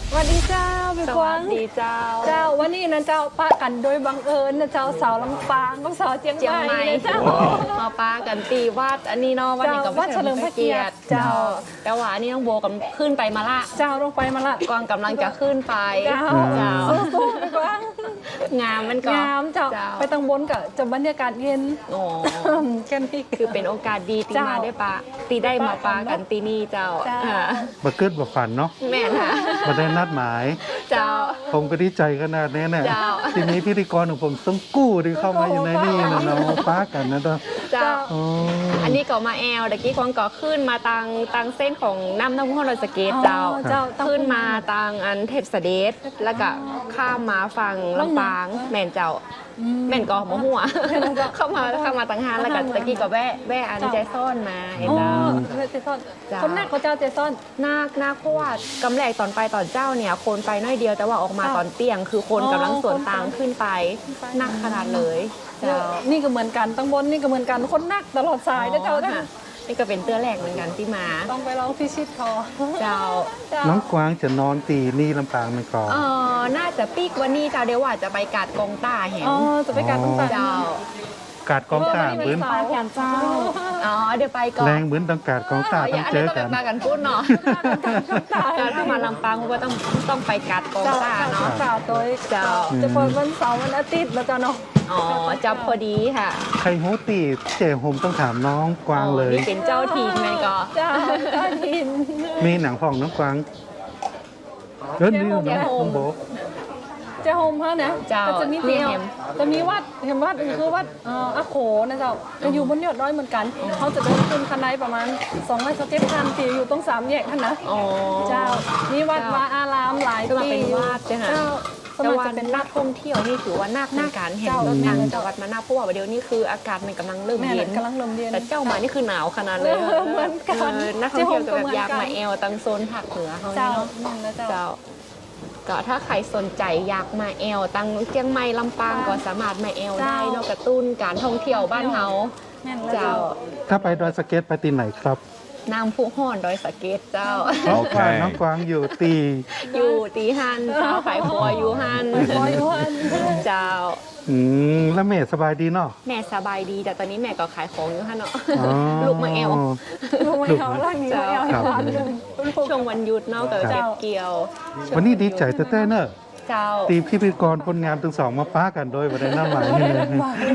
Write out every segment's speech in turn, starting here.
สวัสดีเจ้าพี่กวางดีเจ้าเจ้าวันนี้นะเจ้าป้ากันโดยบังเอิญนะเจ้าสาวลำปางกับสาวเจียงใหม่นะเจ้ามาปากันตีวัดอันนี้เนาะวัดนี้กับวัดเฉลิมพระเกียรติเจ้าแต่ว่าอันนี้น้องโบกำขึ้นไปมาละเจ้าลงไปมาละกวางกำลังจะขึ้นไปเจ้าสู้ๆพี่กวางงามมันก็งามเจ้าไปตังบนกับจะบรรยากาศเย็นโอ้แค่นี้คือเป็นโอกาสดีตีมาได้ปะตีได้มาปากันตีนี่เจ้าบ่เกิดบ่ฝันเนาะแม่ค่ะบ่ได้นัดหมายเจ้าผมก็ดีใจขนาดนี้เนี่ยทีนี้พิธีกรของผมต้องกู้ที่เข้ามาอยู่ในนี่นะเนาะป้ากันนะเจ้าอันนี้ก็มาแอลตะกี้ควงก็ขึ้นมาตังเส้นของน้ำห้องรถสเกตเจ้าขึ้นมาตังอันเทพเสด็จแล้วก็ข้ามมาฝั่งลำปางแม่นเจ้าแม่นก็หัวเข้ามาตังหานแล้วก็ตะกี้ก็แว่อันใจซ่อนมาเห็นเจ้าใจซ่อนคนนักเขาเจ้าใจซ่อนนาคเพราะว่ากำแรกตอนไปตอนเจ้าเนี่ยคนไปน้อยเดียวแต่ว่าออกมาตอนเตียงคือคนกำลังสวนตางขึ้นไปนักขนาดเลยเจ้านี่ก็เหมือนกันตั้งบนนี่ก็เหมือนกันคนนักตลอดสายนะเจ้านี่ก็เป็นเตื้อแรกเหมือนกันที่มาต้องไปลองพิชิตคอเจ้าน้องกวางจะนอนตีนี่ลำปางมันก่อนน่าจะปีกวันนี้เจ้าเดี๋ยวว่าจะไปกาดกองต้าเห็นจะไปกาดกองต้าเจ้ากาดกองต้าเหมือนเจ้าเดี๋ยวไปก่อนแรงเหมือนต้องกาดกองต้าต้องเจอกันมากันพูดเนาะถ้ามาลำปางก็ต้องไปกาดกองต้าเนาะเจ้าตัวเจ้าจะเปิดวันเสาร์วันอาทิตย์แล้วเจ้าเนาะจับพอดีค่ะใครฮู้ตีเจ๋ผมต้องถามน้องกวางเลยนี่เป็นเจ้าทีมไงก็เจ้าทีมมีหนังของน้องกวางนี่น้องโบจะโฮมเขานะจะมีเตียวจะมีวัดเห็นวัดคือวัดอาโขนะเจ้าจะอยู่บนยอดดอยเหมือนกันเขาจะเดินขึ้นคันไดประมาณ200 คันที่อยู่ตรง3 แยกท่านนะเจ้ามีวัดวาอารามหลายปีเป็นวัดเจ้าแต่ว่าเป็นนักท่องเที่ยวนี่ถือว่านักในการเห็นทางจังหวัดมานาเพราะว่าเดี๋ยวนี้คืออากาศมันกำลังเริ่มเย็นแต่เจ้ามานี่คือหนาวขนาดเลยเหมือนกันนักท่องเที่ยวจะแบบอยากมาแอลตังโซนภาคเหนือเขาเนาะเจ้าก็ถ้าใครสนใจอยากมาแอลตังเชียงใหม่ลำปางก็สามารถมาแอลได้นอกกระตุ้นการท่องเที่ยวบ้านเฮาเจ้าถ้าไปดอยสะเก็ตไปตีไหนครับน้ำพุห่อนดอยสะเก็ตเจ้าน้องกวางอยู่ตีหันเจ้าขายบัวอยู่หันเจ้าแล้วแม่สบายดีเนาะแม่สบายดีแต่ตอนนี้แม่ก็ขายของอยู่หันเนาะลูกมาแอลร่างนี้มาแอลช่วงวันหยุดเนาะกับเก็บเกี่ยววันนี้ดีใจเต้เนอะตีพิธีกรคนงามทั้งสองมาป้ากันโดยวันน้ำหมายนี่เลย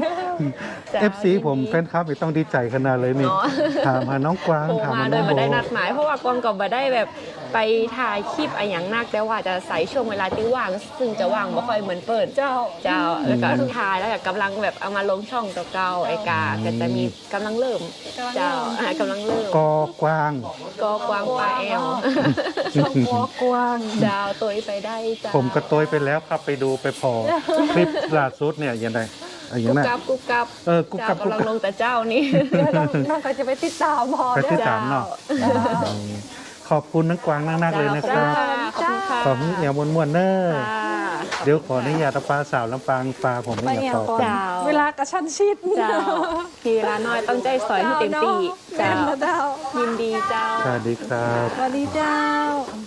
FC ผมแฟนคลับต้องดีใจขนาดเลยนี่ถามหาน้องกวางถามมาโดยไม่ได้นัดหมายเพราะว่ากวางก็ไม่ได้แบบไปถ่ายคลิปอะไรอย่างนักแต่ว่าจะใส่ช่วงเวลาที่ว่างซึ่งจะว่างไม่ค่อยเหมือนเปิดเจ้าแล้วก็ถ่ายแล้วก็กำลังแบบเอามาลงช่องเก่าไอ้กาก็จะมีกำลังเริ่มเจ้ากำลังเริ่มกวางปลาแอลกวางเจ้าตัวไปได้จ้าผมก็ตัวไปแล้วครับไปดูไปพอคลิปล่าสุดเนี่ยยังไงกุ๊กกับกุ๊กกับกำลังลงแต่เจ้านี่น้องก็จะไปติดตามไปติดตามเนาะขอบคุณน้องกวางนักๆเลยนะครับขอบคุณเอี่ยวมวนๆเนอะเดี๋ยวขออนุญาตปลาสาวลำปางปลาผมไม่อยากขอเวลากระชั้นชิดเจ้ามีเวลาน้อยต้องใจสอยให้เต็มที่เจ้ายินดีเจ้าสวัสดีครับสวัสดีเจ้า